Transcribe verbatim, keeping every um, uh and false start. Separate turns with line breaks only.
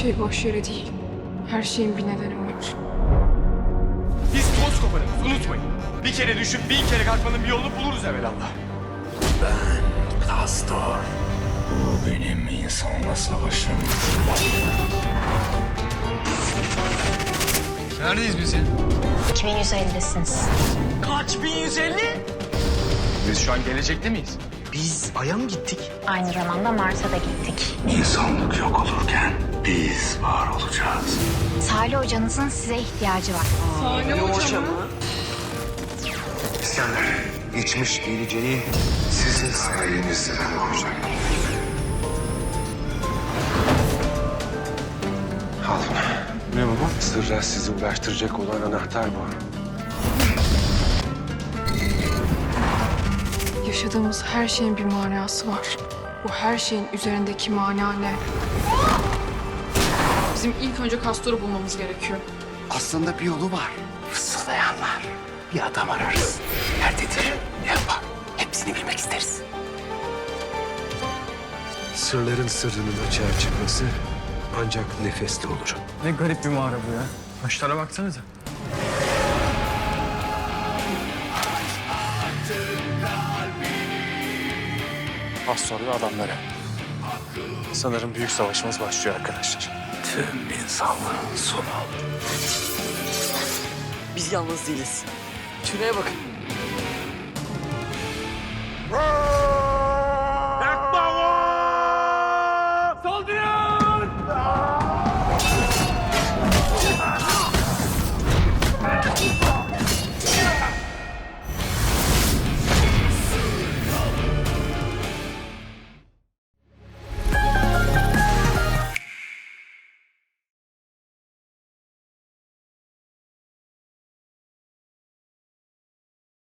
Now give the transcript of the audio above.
şey boş yere değil. Her şeyin bir nedeni var.
Biz toz koparırız, unutmayın. Bir kere düşüp bin kere kalkmanın bir yolunu buluruz evvelallah.
Pastor. Bu benim insanla savaşım.
Neredeyiz biz ya?
iki bin yüz ellisiniz.
Kaç bin yüz elli?
Biz şu an gelecekte miyiz?
Biz Ay'a mı gittik?
Aynı zamanda Mars'a da gittik.
İnsanlık yok olurken biz var olacağız.
Salih hocanızın size ihtiyacı var.
Salih Hoca mı?
İskender, geçmiş geleceği sizin sayenizde olacak. Al bunu. Ne baba? Sırra sizi ulaştıracak olan anahtar bu.
Yaşadığımız her şeyin bir manası var. Bu her şeyin üzerindeki mana ne? Bizim ilk önce Castor'u bulmamız gerekiyor.
Aslında bir yolu var. Fısıldayanlar. Bir adam ararız. Nerededir? Ne yapar? Hepsini bilmek isteriz.
Sırların sırrının açığa çıkması ancak nefesle olur.
Ne garip bir mağara bu ya. Taşlara baksanıza.
Pastor ve adamları. Sanırım büyük savaşımız başlıyor arkadaşlar.
Tüm insanlığın sonu olur.
Biz yalnız değiliz. Şuraya bakın.